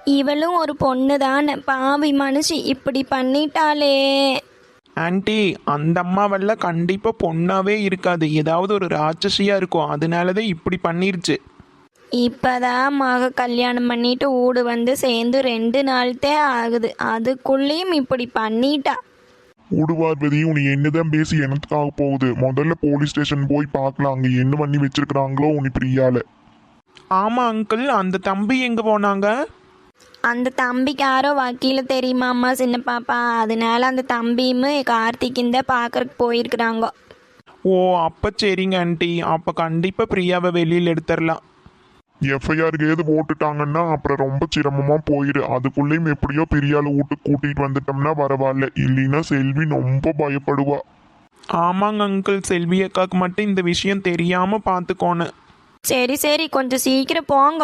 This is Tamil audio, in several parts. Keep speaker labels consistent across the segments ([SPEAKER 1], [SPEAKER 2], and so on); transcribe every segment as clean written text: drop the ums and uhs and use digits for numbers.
[SPEAKER 1] இவளும் ஒரு பொண்ணு தானே, பாவி மனுஷி இப்படி பண்ணிட்டாளே.
[SPEAKER 2] ஆன்ட்டி, அந்த அம்மாவெல்லாம் கண்டிப்பாக பொண்ணாவே இருக்காது, ஏதாவது ஒரு ராட்சசியாக இருக்கும், அதனாலதான் இப்படி பண்ணிருச்சு.
[SPEAKER 1] இப்பதான் மக கல்யாணம் பண்ணிட்டு ஊடு வந்து சேர்ந்து 2 நாள்தே ஆகுது, அதுக்குள்ளேயும் இப்படி பண்ணிட்டா.
[SPEAKER 3] ஊடுவார்வதி உனி என்னதான் பேசி எனத்துக்காக போகுது. முதல்ல போலீஸ் ஸ்டேஷன் போய் பார்க்கலாம் அங்க என்ன பண்ணி வச்சிருக்கிறாங்களோ உனி பிரியால.
[SPEAKER 2] ஆமாம் அங்கிள், அந்த தம்பி எங்கே போனாங்க?
[SPEAKER 1] அந்த தம்பிக்கு யாரோ வக்கீல தெரியுமாம்மா சின்ன பாப்பா, அதனால அந்த தம்பியும் கார்த்திக்கிந்த பார்க்கறக்கு போயிருக்கிறாங்க.
[SPEAKER 2] ஓ அப்போ சரிங்க ஆன்ட்டி, அப்போ கண்டிப்பாக பிரியாவை வெளியில் எடுத்துடலாம்.
[SPEAKER 3] எஃப்ஐஆருக்கு ஏது போட்டுட்டாங்கன்னா அப்புறம் ரொம்ப சிரமமா போயிரு. அதுக்குள்ளேயும் எப்படியோ பிரியால வீட்டுக்கு கூட்டிட்டு வந்துட்டோம்னா பரவாயில்ல, இல்லைன்னா செல்வி ரொம்ப பயப்படுவா.
[SPEAKER 2] ஆமாங்க அங்கிள், செல்வி அக்காவுக்கு மட்டும் இந்த விஷயம் தெரியாமல் பார்த்துக்கோணும்.
[SPEAKER 1] சரி சரி, கொஞ்சம் சீக்கிரம் போங்க.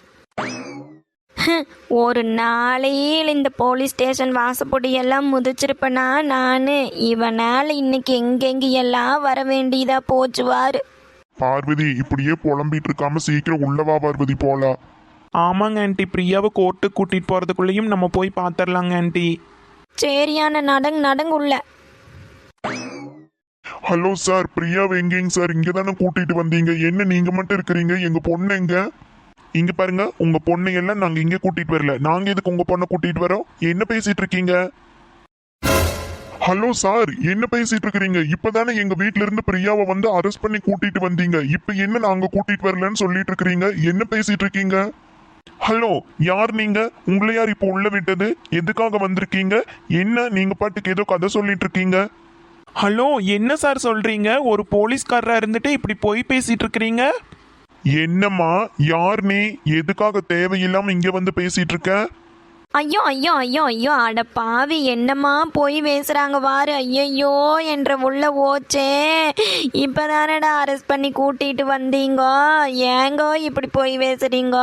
[SPEAKER 1] ஒரு நாளையில் இந்த போலீஸ் ஸ்டேஷன் வாசப்படியெல்லாம் முதிச்சிருப்பேனா நான். இவனால் இன்னைக்கு எங்கெங்கெல்லாம் வர வேண்டியதா போச்சுவாரு.
[SPEAKER 3] பார்வதி இப்படியே புலம்பிட்டு இருக்காம சீக்கிரம் உள்ளவா பார்வதி போலாம்.
[SPEAKER 2] ஆமாங்க ஆன்ட்டி, பிரியாவை கோர்ட்டுக்கு கூட்டிகிட்டு போகிறதுக்குள்ளேயும் நம்ம போய் பார்த்துடலாங்க ஆன்ட்டி.
[SPEAKER 1] சரியான நடங்கு உள்ள.
[SPEAKER 3] ஹலோ சார், பிரியாவை எங்கேங்க சார்? இங்க தானே கூட்டிட்டு வந்தீங்க, என்ன நீங்க மட்டும் இருக்கிறீங்க? எங்க பொண்ணு எங்க? இங்க பாருங்க, உங்க பொண்ணை எல்லாம் நாங்க இங்க கூட்டிட்டு வரல, நாங்க எதுக்கு உங்க பொண்ணை கூட்டிட்டு வரோம்? என்ன பேசிட்டு இருக்கீங்க? ஹலோ சார், என்ன பேசிட்டு இருக்கிறீங்க? இப்பதானே எங்க வீட்ல இருந்து பிரியாவை வந்து அரெஸ்ட் பண்ணி கூட்டிட்டு வந்தீங்க, இப்ப என்ன நாங்க கூட்டிட்டு வரலன்னு சொல்லிட்டு இருக்கிறீங்க? என்ன பேசிட்டு இருக்கீங்க? ஹலோ, யார் நீங்க? உங்களை யார் இப்போ உள்ள விட்டது? எதுக்காக வந்திருக்கீங்க? என்ன நீங்க பாட்டுக்கு ஏதோ கதை சொல்லிட்டு இருக்கீங்க?
[SPEAKER 2] ஹலோ, என்ன சார் சொல்கிறீங்க? ஒரு போலீஸ்காரராக இருந்துட்டு இப்படி போய் பேசிகிட்டு இருக்கிறீங்க.
[SPEAKER 3] என்னம்மா, யார் நீ? எதுக்காக தேவையில்லாம இங்க வந்து பேசிட்டு இருக்க?
[SPEAKER 1] ஐயோ ஐயோ ஐயோ ஐயோ, அட பாவி, என்னம்மா போய் பேசுறாங்க வாரு. ஐயோ என்ற உள்ள ஓச்சே, இப்பதானடா அரெஸ்ட் பண்ணி கூட்டிட்டு வந்தீங்க, ஏங்கோ இப்படி போய் பேசுறீங்க?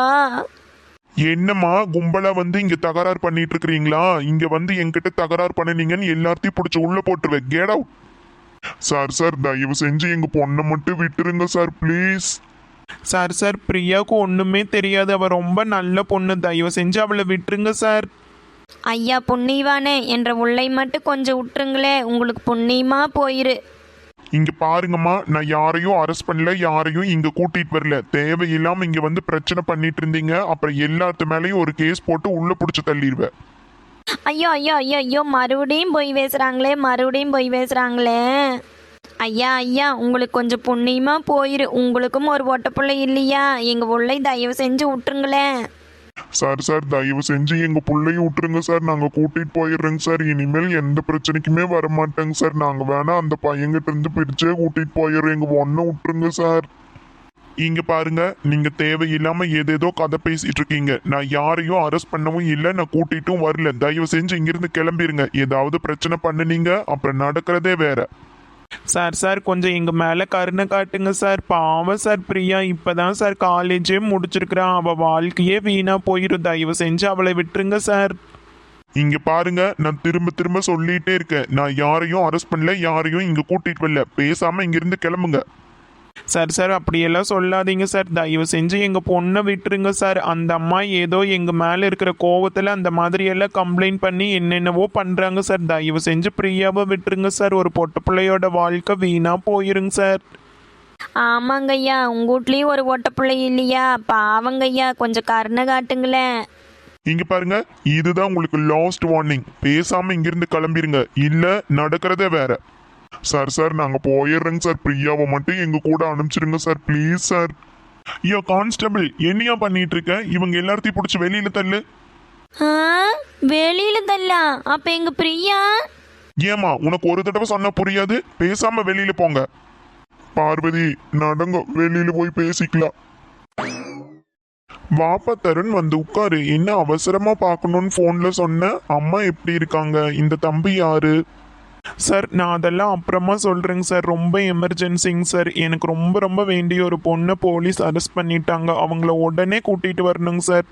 [SPEAKER 3] என்னம்மா கும்பலா வந்து இங்க தகராறு பண்ணிட்டு இருக்கிறீங்களா? இங்க வந்து என்கிட்ட தகராறு பண்ணினீங்கன்னு எல்லாத்தையும் பிடிச்சி உள்ள போட்டுருவேன். Get out. சார் சார், தயவு செஞ்சு எங்க பொண்ணை மட்டும் விட்டுருங்க சார், ப்ளீஸ்.
[SPEAKER 2] சார் சார், பிரியாவுக்கு ஒன்றுமே தெரியாது, அவள் ரொம்ப நல்ல பொண்ணு, தயவு செஞ்சு அவளை விட்டுருங்க சார்.
[SPEAKER 1] ஐயா புண்ணியவானே, என்ற உள்ளை மட்டும் கொஞ்சம் விட்டுருங்களே, உங்களுக்கு புண்ணியமா போயிரு.
[SPEAKER 3] இங்க பாருங்கம்மா, நான் யாரையும் அரெஸ்ட் பண்ணல, யாரையும் இங்க கூட்டிட்டு வரல. தேவையில்லாம இங்க வந்து பிரச்சனை பண்ணிட்டு இருந்தீங்க, அப்புறம் எல்லாத்து மேலேயும் ஒரு கேஸ் போட்டு உள்ள புடிச்சு தள்ளிடுவேன்.
[SPEAKER 1] ஐயோ ஐயோ ஐயோ ஐயோ, மறுபடியும் போய் பேசுறாங்களே. ஐயா ஐயா, உங்களுக்கு கொஞ்சம் புண்ணியமா போயிரு, உங்களுக்கும் ஒரு ஒட்ட பிள்ளை இல்லையா? எங்க உள்ளை தயவு செஞ்சு விட்டுருங்களேன்.
[SPEAKER 3] சார் சார், தயவு செஞ்சு எங்க பிள்ளையும் விட்டுருங்க சார், நாங்க கூட்டிட்டு போயிடுறோங்க சார். இனிமேல் எந்த பிரச்சனைக்குமே வரமாட்டேங்க சார். நாங்க வேணா அந்த பையன்கிட்ட இருந்து பிரிச்சே கூட்டிட்டு போயிடுறோம், எங்க ஒன்ன விட்டுருங்க சார். இங்க பாருங்க, நீங்க தேவையில்லாம ஏதேதோ கதை பேசிட்டு இருக்கீங்க. நான் யாரையும் அரெஸ்ட் பண்ணவும் இல்லை, நான் கூட்டிட்டும் வரல. தயவு செஞ்சு இங்கிருந்து கிளம்பிருங்க. ஏதாவது பிரச்சனை பண்ணுனீங்க அப்புறம் நடக்கிறதே வேற.
[SPEAKER 2] சார் சார், கொஞ்சம் எங்கள் மேலே கருணை காட்டுங்க சார். பாவம் சார், பிரியா இப்போ தான் சார் காலேஜே முடிச்சிருக்கிறான், அவள் வாழ்க்கையே வீணாக போயிடும், தயவு செஞ்சு அவளை விட்டுருங்க சார்.
[SPEAKER 3] இங்க பாருங்க, நான் திரும்ப திரும்ப சொல்லிட்டே இருக்கேன், நான் யாரையும் அரெஸ்ட் பண்ணல, யாரையும் இங்க கூட்டிட்டு வரல. பேசாம இங்கிருந்து கிளம்புங்க.
[SPEAKER 2] சார் சார், அப்படியெல்லாம் சொல்லாதீங்க சார், தயவு செஞ்சு எங்கள் பொண்ணை விட்டுருங்க சார். அந்த அம்மா ஏதோ எங்கள் மேலே இருக்கிற கோவத்தில் அந்த மாதிரியெல்லாம் கம்ப்ளைண்ட் பண்ணி என்னென்னவோ பண்ணுறாங்க சார். தயவு செஞ்சு பிரியாவை விட்டுருங்க சார், ஒரு பொட்ட பிள்ளையோட வாழ்க்கை வீணாக போயிருங்க சார்.
[SPEAKER 1] ஆமாங்கய்யா, உங்க வீட்லயும் ஒரு ஒட்ட பிள்ளை இல்லையா? பாவங்கய்யா, கொஞ்சம் கருணை காட்டுங்களேன்.
[SPEAKER 3] இங்க பாருங்க, இதுதான் உங்களுக்கு லாஸ்ட் வார்னிங். பேசாம இங்கிருந்து கிளம்பிருங்க, இல்ல நடக்கிறதே வேற. சார் சார், நாங்க போயிடுறோங்க சார், பிரியாவை மட்டும் எங்க கூட அனுப்பிச்சிருங்க சார், ப்ளீஸ் சார். ஐயோ கான்ஸ்டபிள், என்னையா பண்ணிட்டு இருக்க? இவங்க எல்லாத்தையும் பிடிச்சி வெளியில தள்ளு.
[SPEAKER 1] வெளியில தள்ளலாம்? அப்ப எங்க பிரியா?
[SPEAKER 3] ஏமா, உனக்கு ஒரு தடவை சொன்னா புரியாது? பேசாம வெளியில போங்க. பார்வதி நடங்க, வெளியில போய் பேசிக்கலாம். வாப்பா தருண், வந்து உட்காரு. என்ன அவசரமா பார்க்கணும்னு போன்ல சொன்ன? அம்மா எப்படி இருக்காங்க? இந்த தம்பி யாரு?
[SPEAKER 2] சார், நான் அதெல்லாம் அப்புறமா சொல்கிறேங்க சார், ரொம்ப எமர்ஜென்சிங்க சார். எனக்கு ரொம்ப ரொம்ப வேண்டிய ஒரு பொண்ணை போலீஸ் அரெஸ்ட் பண்ணிட்டாங்க, அவங்கள உடனே கூட்டிகிட்டு வரணுங்க சார்.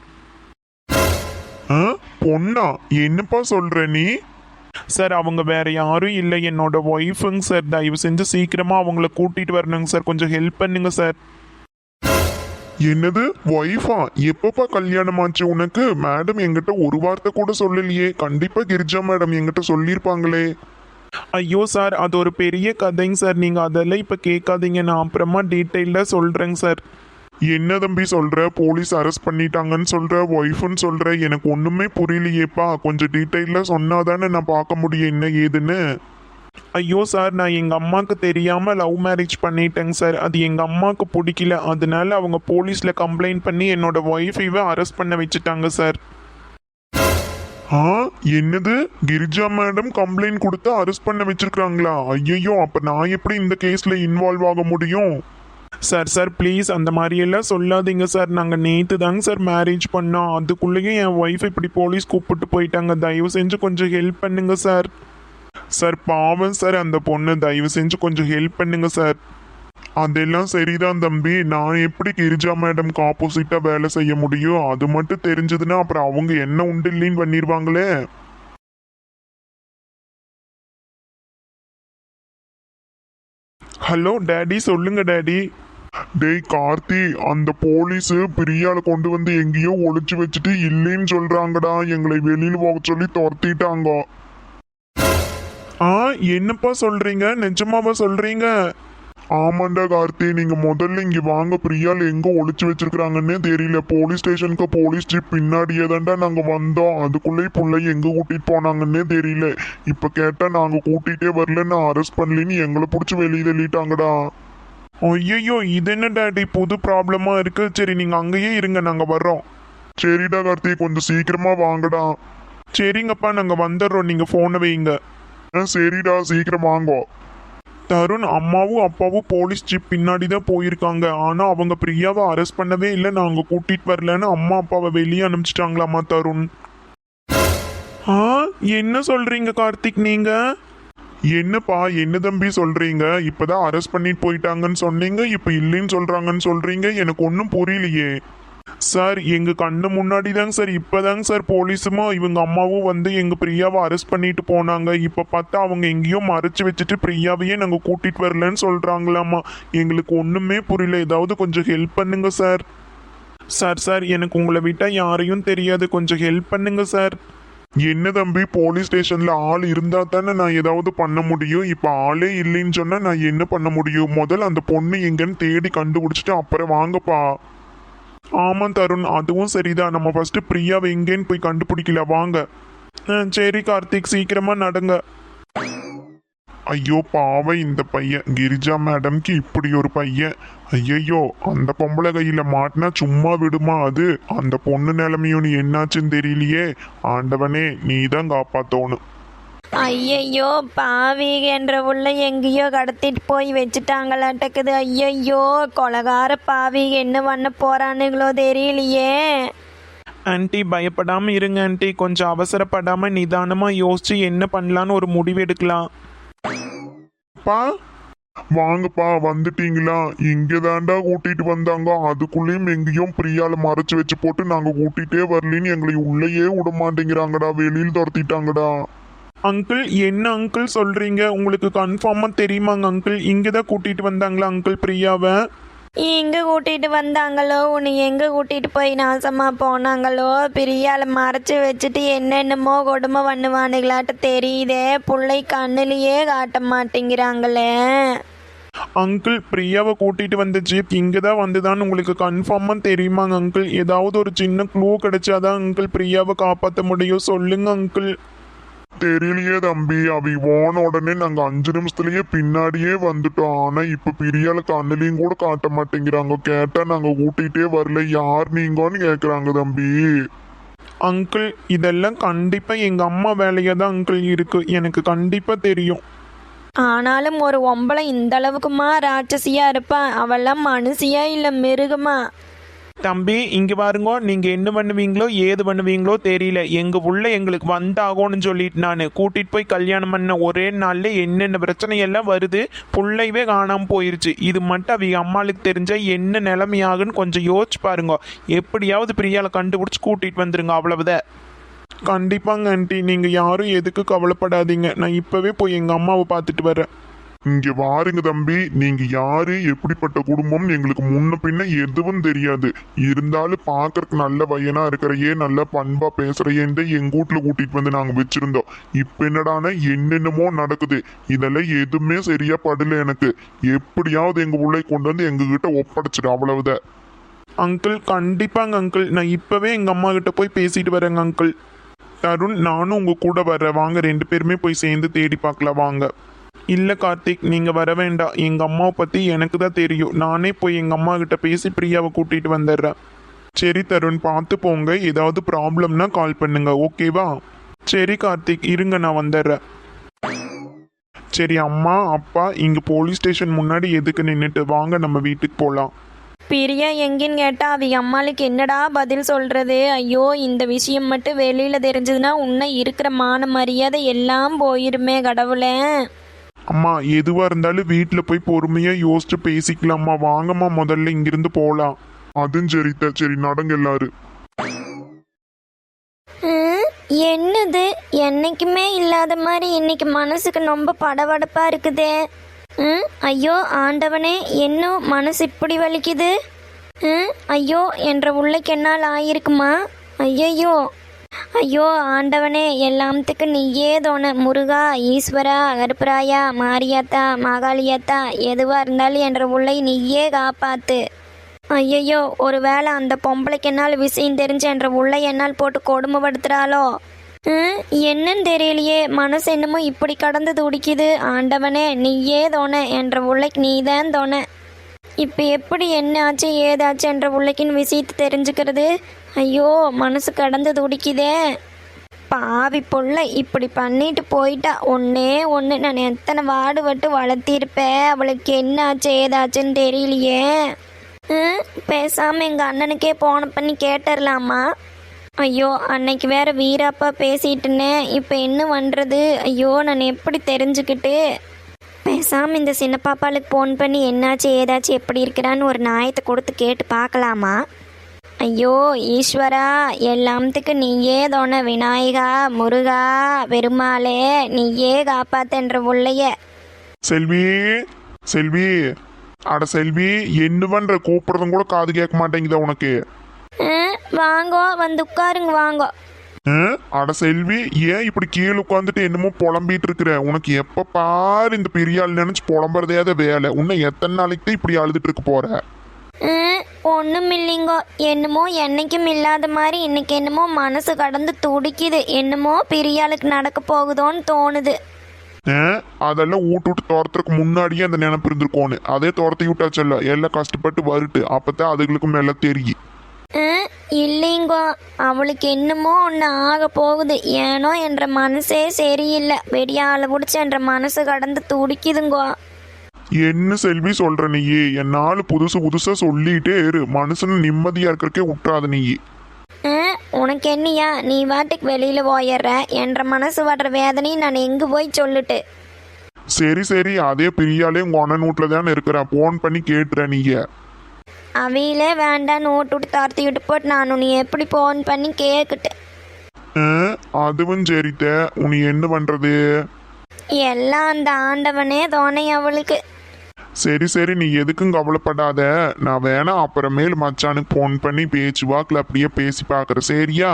[SPEAKER 3] பொண்ணா? என்னப்பா சொல்ற நீ?
[SPEAKER 2] சார், அவங்க வேற யாரும் இல்லை, என்னோட ஒய்ஃபுங்க சார். தயவு செஞ்சு சீக்கிரமாக அவங்கள கூட்டிகிட்டு வரணுங்க சார், கொஞ்சம் ஹெல்ப் பண்ணுங்க சார்.
[SPEAKER 3] என்னது ஒய்ஃபா? எப்பப்பா கல்யாணம் ஆச்சு உனக்கு? மேடம் என்கிட்ட ஒரு வார்த்தை கூட சொல்லலையே. கண்டிப்பா கிரிஜா மேடம் என்கிட்ட சொல்லியிருப்பாங்களே.
[SPEAKER 2] ஐயோ சார், அது ஒரு பெரிய கதைங்க சார். நீங்கள் அதெல்லாம் இப்போ கேட்காதீங்க, நான் அப்புறமா டீட்டெயிலாக சொல்கிறேங்க சார்.
[SPEAKER 3] என்ன தம்பி சொல்ற? போலீஸ் அரெஸ்ட் பண்ணிட்டாங்கன்னு சொல்ற, ஒய்ஃப்னு சொல்ற, எனக்கு ஒண்ணுமே புரியலையேப்பா. கொஞ்சம் டீட்டெயிலா சொன்னாதானே நான் பார்க்க முடியும் என்ன ஏதுன்னு.
[SPEAKER 2] ஐயோ சார், நான் எங்கள் அம்மாவுக்கு தெரியாமல் லவ் மேரேஜ் பண்ணிட்டேங்க சார். அது எங்கள் அம்மாவுக்கு பிடிக்கல. அதனால அவங்க போலீஸில் கம்ப்ளைண்ட் பண்ணி என்னோட ஒய்ஃபைவை அரெஸ்ட் பண்ண வச்சுட்டாங்க சார்.
[SPEAKER 3] ஆ, என்னது? கிரிஜா மேடம் கம்ப்ளைண்ட் கொடுத்து அரெஸ்ட் பண்ண வச்சிருக்காங்களா? ஐயோ, அப்ப நான் எப்படி இந்த கேஸ்ல இன்வால்வ் ஆக முடியும்?
[SPEAKER 2] சார் ப்ளீஸ் அந்த மாதிரியெல்லாம் சொல்லாதீங்க சார். நாங்கள் நேற்று தாங்க சார் மேரேஜ் பண்ணோம். அதுக்குள்ளேயும் என் ஒய்ஃப் இப்படி போலீஸ் கூப்பிட்டு போயிட்டாங்க. தயவு செஞ்சு கொஞ்சம் ஹெல்ப் பண்ணுங்க சார்.
[SPEAKER 3] சார் பாவம் சார் அந்த பொண்ணு, தயவு செஞ்சு கொஞ்சம் ஹெல்ப் பண்ணுங்க சார். அதெல்லாம் சரிதான் தம்பி, நான் எப்படி கிரிஜா மேடம்க்கு ஆப்போசிட்டா வேலை செய்ய முடியும்? அது மட்டும் தெரிஞ்சதுன்னா அப்புறம் அவங்க என்ன உண்டு இல்லைன்னு பண்ணிடுவாங்களே.
[SPEAKER 2] ஹலோ டேடி, சொல்லுங்க டேடி.
[SPEAKER 3] டேய் கார்த்தி, அந்த போலீஸ் பிரியால கொண்டு வந்து எங்கேயோ ஒளிச்சு வச்சுட்டு இல்லைன்னு சொல்றாங்கடா. எங்களை வெளியில போக சொல்லி துரத்திட்டாங்க.
[SPEAKER 2] ஆ, என்னப்பா சொல்றீங்க? நிஜமாவா சொல்றீங்க?
[SPEAKER 3] ஆமாண்டா கார்த்தி, நீங்க முதல்ல இங்க வாங்க. பிரியால் எங்க ஒளிச்சு வச்சிருக்காங்கன்னே தெரியல. போலீஸ் ஸ்டேஷனுக்கு போலீஸ் ஜீப் பின்னாடியே தான்டா நாங்க வந்தோம். அதுக்குள்ளே புள்ளை எங்க கூட்டிட்டு போனாங்கன்னே தெரியல. இப்ப கேட்டா நாங்க கூட்டிகிட்டே வரலன்னு அரெஸ்ட் பண்ணலின்னு எங்களை பிடிச்சி வெளியே தள்ளிட்டாங்கடா.
[SPEAKER 2] ஐயோ, இது என்ன டேடி புது ப்ராப்ளமா இருக்கு? சரி, நீங்க அங்கேயே இருங்க, நாங்க வர்றோம்.
[SPEAKER 3] சரிடா கார்த்தி, கொஞ்சம் சீக்கிரமா வாங்கடா.
[SPEAKER 2] சரிங்கப்பா, நாங்க வந்துடுறோம், நீங்க போனை வைங்க.
[SPEAKER 3] சரிடா, சீக்கிரம் வாங்கோ.
[SPEAKER 2] தருண், அம்மாவும் அப்பாவும் போலீஸ் ஜீப் பின்னாடி தான் போயிருக்காங்க. ஆனா அவங்க பிரியாவை அரெஸ்ட் பண்ணவே இல்லை, நாங்க கூட்டிட்டு வரலன்னு அம்மா அப்பாவை வெளியே அனுப்பிச்சிட்டாங்களாமா தருண். ஆ, என்ன சொல்றீங்க கார்த்திக் நீங்க?
[SPEAKER 3] என்னப்பா, என்ன தம்பி சொல்றீங்க? இப்பதான் அரெஸ்ட் பண்ணிட்டு போயிட்டாங்கன்னு சொன்னீங்க, இப்ப இல்லைன்னு சொல்றாங்கன்னு சொல்றீங்க. எனக்கு ஒன்றும் புரியலையே.
[SPEAKER 2] சார், எங்க கண்ணு முன்னாடி தாங்க சார், இப்பதாங்க சார் போலீஸுமா இவங்க அம்மாவும் வந்து எங்க பிரியாவை அரெஸ்ட் பண்ணிட்டு போனாங்க. இப்ப பார்த்தா அவங்க எங்கேயோ மறைச்சு வச்சுட்டு பிரியாவையே நாங்க கூட்டிட்டு வரலன்னு சொல்றாங்களாமா. எங்களுக்கு ஒண்ணுமே புரியல. ஏதாவது கொஞ்சம் ஹெல்ப் பண்ணுங்க சார். சார், எனக்கு உங்களை விட்டா யாரையும் தெரியாது, கொஞ்சம் ஹெல்ப் பண்ணுங்க சார்.
[SPEAKER 3] என்ன தம்பி, போலீஸ் ஸ்டேஷன்ல ஆள் இருந்தா தானே நான் ஏதாவது பண்ண முடியும். இப்ப ஆளே இல்லைன்னு சொன்னா நான் என்ன பண்ண முடியும்? முதல்ல அந்த பொண்ணு எங்கன்னு தேடி கண்டுபிடிச்சிட்டு அப்புறம் வாங்கப்பா.
[SPEAKER 2] ஆமாம் தருண், அதுவும் சரிதான். நம்ம ஃபர்ஸ்ட் பிரியாவை எங்கேன்னு போய் கண்டுபிடிக்கல, வாங்க. சரி கார்த்திக், சீக்கிரமா நடங்க.
[SPEAKER 3] ஐயோ பாவம் இந்த பையன், கிரிஜா மேடம்க்கு இப்படி ஒரு பையன். ஐயையோ, அந்த பொம்பளை கையில மாட்டினா சும்மா விடுமா அது? அந்த பொண்ணு நிலைமையும் நீ என்னாச்சுன்னு தெரியலையே. ஆண்டவனே, நீ தான் காப்பாத்தோணும்.
[SPEAKER 1] ஐயையோ, பாவி என்ற உள்ள எங்கேயோ கடத்திட்டு போய் வச்சுட்டாங்களாட்டக்குது. ஐயையோ, கொலகார பாவி என்ன பண்ண போறானுங்களோ தெரியலையே.
[SPEAKER 2] ஆன்ட்டி, பயப்படாம இருங்க ஆன்ட்டி. கொஞ்சம் அவசரப்படாம நிதானமா யோசிச்சு என்ன பண்ணலான்னு ஒரு முடிவு எடுக்கலாம்.
[SPEAKER 3] பா, வாங்கப்பா, வந்துட்டீங்களா? இங்க தாண்டா கூட்டிட்டு வந்தாங்க. அதுக்குள்ளேயும் எங்கேயும் பிரியால மறைச்சு வச்சு போட்டு நாங்க கூட்டிகிட்டே வரலின்னு எங்களை உள்ளேயே விட மாட்டேங்கிறாங்கடா. வெளியில் துரத்திட்டாங்கடா.
[SPEAKER 2] அங்கிள், என்ன அங்கிள் சொல்றீங்க? உங்களுக்கு கன்ஃபார்மா தெரியுமாங்க அங்கிள்? இங்கே தான் கூட்டிட்டு வந்தாங்களா அங்கிள் பிரியாவை?
[SPEAKER 1] எங்க கூட்டிட்டு வந்தாங்களோ, உன்னை எங்க கூட்டிட்டு போய் நாசமா போனாங்களோ, பிரியால மறைச்சு வச்சுட்டு என்னென்னமோ கொடுமை பண்ணுவானுங்களாட்ட தெரியுதே. புள்ளை கண்ணுலயே காட்ட மாட்டேங்கிறாங்களே.
[SPEAKER 2] அங்கிள், பிரியாவை கூட்டிட்டு வந்த ஜீப் இங்கே தான் வந்துதான்னு உங்களுக்கு கன்ஃபார்மா தெரியுமாங்க அங்கிள்? ஏதாவது ஒரு சின்ன க்ளூ கிடைச்சாதான் அங்கிள் பிரியாவை காப்பாற்ற முடியும். சொல்லுங்க அங்கிள்.
[SPEAKER 3] தெரியலையே தம்பி, அவி போன உடனே நாங்க 5 நிமிஷத்துலயே பின்னாடியே வந்துட்டோம். ஆனா இப்ப பிரியால கண்ணுலையும் கூட காட்ட மாட்டேங்கிறாங்க. கேட்டா நாங்க கூட்டிகிட்டே வரல, யார் நீங்கன்னு கேக்குறாங்க தம்பி.
[SPEAKER 2] அங்கிள், இதெல்லாம் கண்டிப்பா எங்க அம்மா வேலையா தான் அங்கிள் இருக்கு, எனக்கு கண்டிப்பா தெரியும்.
[SPEAKER 1] ஆனாலும் ஒரு ஒம்பளை இந்த அளவுக்குமா ராட்சசியா இருப்பா? அவெல்லாம் மனுஷியா இல்ல மிருகமா?
[SPEAKER 2] தம்பி, இங்க பாருங்க, நீங்க என்ன பண்ணுவீங்களோ ஏது பண்ணுவீங்களோ தெரியல. எங்க உள்ள எங்களுக்கு வந்தாகணும்னு சொல்லிட்டு நான் கூட்டிட்டு போய் கல்யாணம் பண்ண ஒரே நாள்ல என்னென்ன பிரச்சனை எல்லாம் வருது. புள்ளைவே காணாம போயிருச்சு. இது மட்டும் அவங்க அம்மாளுக்கு தெரிஞ்சா என்ன நிலைமையாகுன்னு கொஞ்சம் யோசிச்சு பாருங்க. எப்படியாவது பிரியால கண்டுபிடிச்சு கூட்டிட்டு வந்துருங்க, அவ்வளவுதான். கண்டிப்பாங்க ஆண்டி, நீங்க யாரும் எதுக்கு கவலைப்படாதீங்க. நான் இப்பவே போய் எங்க அம்மாவை பார்த்துட்டு வரேன்.
[SPEAKER 3] இங்க வாருங்க தம்பி, நீங்க யாரு, எப்படிப்பட்ட குடும்பம் எங்களுக்கு முன்ன பின்ன எதுவும் தெரியாது. இருந்தாலும் பாக்குறதுக்கு நல்ல பையனா இருக்கிறையே, நல்ல பண்பா பேசுறையேன்னு எங்க வீட்டுல கூட்டிட்டு வந்து நாங்க வச்சிருந்தோம். இப்ப என்னடானா என்னென்னமோ நடக்குது. இதெல்லாம் எதுவுமே சரியா படல எனக்கு. எப்படியாவது எங்க பிள்ளை கொண்டு வந்து எங்க கிட்ட ஒப்படைச்சிடு, அவ்வளவுதான்.
[SPEAKER 2] அங்கிள் கண்டிப்பாங்க அங்கிள், நான் இப்பவே எங்க அம்மா கிட்ட போய் பேசிட்டு வரேங்க அங்கிள். தருண், நானும் உங்க கூட வர்றேன், வாங்க 2 பேருமே போய் சேர்ந்து தேடி பார்க்கலாம் வாங்க. இல்லை கார்த்திக், நீங்கள் வர வேண்டாம். எங்கள் அம்மாவை பற்றி எனக்கு தான் தெரியும். நானே போய் எங்கள் அம்மா கிட்ட பேசி பிரியாவை கூட்டிகிட்டு வந்துடுறேன். சரி தருண், பார்த்து போங்க. ஏதாவது ப்ராப்ளம்னா கால் பண்ணுங்க, ஓகேவா? சரி கார்த்திக், இருங்க நான் வந்துடுறேன். சரி அம்மா அப்பா, இங்கே போலீஸ் ஸ்டேஷன் முன்னாடி எதுக்கு நின்றுட்டு, வாங்க நம்ம வீட்டுக்கு போகலாம்.
[SPEAKER 1] பிரியா எங்கேன்னு கேட்டா அவங்க அம்மாளுக்கு என்னடா பதில் சொல்றது? ஐயோ, இந்த விஷயம் மட்டும் வெளியில தெரிஞ்சதுன்னா உன்னை இருக்கிற மான மரியாதை எல்லாம் போயிருமே கடவுளே.
[SPEAKER 2] அம்மா, எதுவாக இருந்தாலும் வீட்டில் போய் பொறுமையாக யோசிச்சு பேசிக்கலாம்மா. வாங்கம்மா, முதல்ல இங்கிருந்து போகலாம்.
[SPEAKER 3] அதுவும் சரித்த, சரி நடங்க எல்லாரும்.
[SPEAKER 1] என்னது, என்னைக்குமே இல்லாத மாதிரி இன்னைக்கு மனசுக்கு ரொம்ப படபடப்பா இருக்குதே. ஐயோ ஆண்டவனே, இன்னும் மனசு இப்படி வலிக்குது. ஐயோ, என்ற உள்ளைக்கு என்னால் ஆயிருக்குமா? ஐயையோ, ஐயோ ஆண்டவனே, எல்லாத்துக்கு நீயே தோண. முருகா, ஈஸ்வரா, கருப்பராயா, மாரியாத்தா, மாகாளியாத்தா, எதுவாக இருந்தாலும் என்ற உள்ளை நீயே காப்பாத்து. ஐயையோ, ஒருவேளை அந்த பொம்பளைக்கு என்னால் விஷயம் தெரிஞ்சு என்ற உள்ளை என்னால் போட்டு கொடுமைப்படுத்துகிறாளோ? என்னன்னு தெரியலையே, மனசு என்னமோ இப்படி கடந்து துடிக்குது. ஆண்டவனே நீயே தோண, என்ற உள்ளைக்கு நீதான் தோண. இப்போ எப்படி என்ன ஆச்சு ஏதாச்சு என்ற உள்ளைக்குன்னு விஷயத்தை தெரிஞ்சுக்கிறது? ஐயோ, மனசு கடந்து துடிக்குதே. பாவி பொள்ள இப்படி பண்ணிட்டு போயிட்டா. ஒன்னே ஒன்று, நான் எத்தனை வாடுபட்டு வளர்த்திருப்பேன். அவளுக்கு என்ன ஆச்சு ஏதாச்சுன்னு தெரியலையே. பேசாமல் எங்கள் அண்ணனுக்கே போன பண்ணி கேட்டுடலாமா? ஐயோ, அன்னைக்கு வேற வீராப்பா பேசிட்டுனே, இப்போ என்ன பண்ணுறது? ஐயோ, நான் எப்படி தெரிஞ்சுக்கிட்டு? பேசாமல் இந்த சின்ன பாப்பாளுக்கு ஃபோன் பண்ணி என்னாச்சு ஏதாச்சும் எப்படி இருக்கிறான்னு ஒரு நியாயத்தை கொடுத்து கேட்டு பார்க்கலாமா? ஐயோ ஈஸ்வரா, எல்லாத்துக்கு நீயே தோண. விநாயகா, முருகா, பெருமாளே நீயே காப்பாத்தன்ற உள்ளைய.
[SPEAKER 3] செல்வி, செல்வி, அட செல்வி, என்ன பண்ற? கூப்பிடுறதும் கூட காது கேட்க மாட்டேங்குதா உனக்கு?
[SPEAKER 1] வாங்கோ, வந்து உட்காருங்க வாங்கோ.
[SPEAKER 3] அட செல்வி, ஏன் இப்படி கீழே உட்காந்துட்டு என்னமோ புலம்பிட்டு இருக்கிற? உனக்கு எப்ப பாரு இந்த பெரியாள் நினைச்சு புலம்புறதே வேலை. உன்னை எத்தனை நாளைக்கு தான் இப்படி அழுதுட்டு இருக்க போற?
[SPEAKER 1] ஒன்றும் இல்லைங்கோ, என்னமோ என்னைக்கும் இல்லாத மாதிரி இன்னைக்கு என்னமோ மனசு கடந்து துடிக்குது. என்னமோ பெரியாளுக்கு நடக்க போகுதோன்னு தோணுது.
[SPEAKER 3] அதெல்லாம் விட்டு துரத்துறதுக்கு முன்னாடியே அந்த நினைப்பு இருந்திருக்கோன்னு. அதே துரத்தி விட்டாச்சல்ல, எல்லாம் கஷ்டப்பட்டு வருட்டு. அப்பதான் அதுகளுக்கும் எல்லாம் தெரியும்.
[SPEAKER 1] இல்லைங்கோ, அவளுக்கு என்னமோ ஒன்று ஆக போகுது. ஏனோ என்ற மனசே சரியில்லை. வெடியால பிடிச்ச என்ற மனசு கடந்து துடிக்குதுங்கோ.
[SPEAKER 3] என்ன செல்வி சொல்ற நீயே? என்னால புதுசு புதுசா சொல்லிட்டே இரு, மனுஷன் நிம்மதியா இருக்கிறக்கே விட்டுறாத நீ.
[SPEAKER 1] உனக்கு என்னையா, நீ வாட்டுக்கு வெளியில போயிடுற. என்ற மனசு வர்ற வேதனையும் நான் எங்க போய் சொல்லிட்டு?
[SPEAKER 3] சரி சரி, அதே பிரியாலே உங்க அண்ணன் வீட்டுல தானே இருக்கிற, போன் பண்ணி கேட்டுற நீங்க.
[SPEAKER 1] அவையிலே வேண்டான்னு ஓட்டு விட்டு தார்த்தி விட்டு போட்டு நானும் நீ எப்படி போன் பண்ணி கேட்கிட்டு.
[SPEAKER 3] அதுவும் சரித்த, உனி என்ன பண்றது?
[SPEAKER 1] எல்லாம் அந்த ஆண்டவனே தோணை அவளுக்கு.
[SPEAKER 3] சரி சரி, நீ எதுக்கும் கவலைப்படாத. நான் வேணா அப்புறமேல் மச்சானுக்கு போன் பண்ணி பேச்சு வாக்கில் அப்படியே பேசி பார்க்குறேன், சரியா?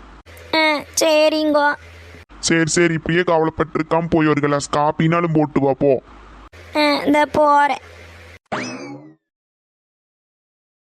[SPEAKER 1] சரிங்கோ.
[SPEAKER 3] சரி சரி, இப்படியே கவலைப்பட்டிருக்காம போய் ஒரு கிளாஸ் காப்பினாலும் போட்டு வா போ.
[SPEAKER 1] இந்த போகிறேன்.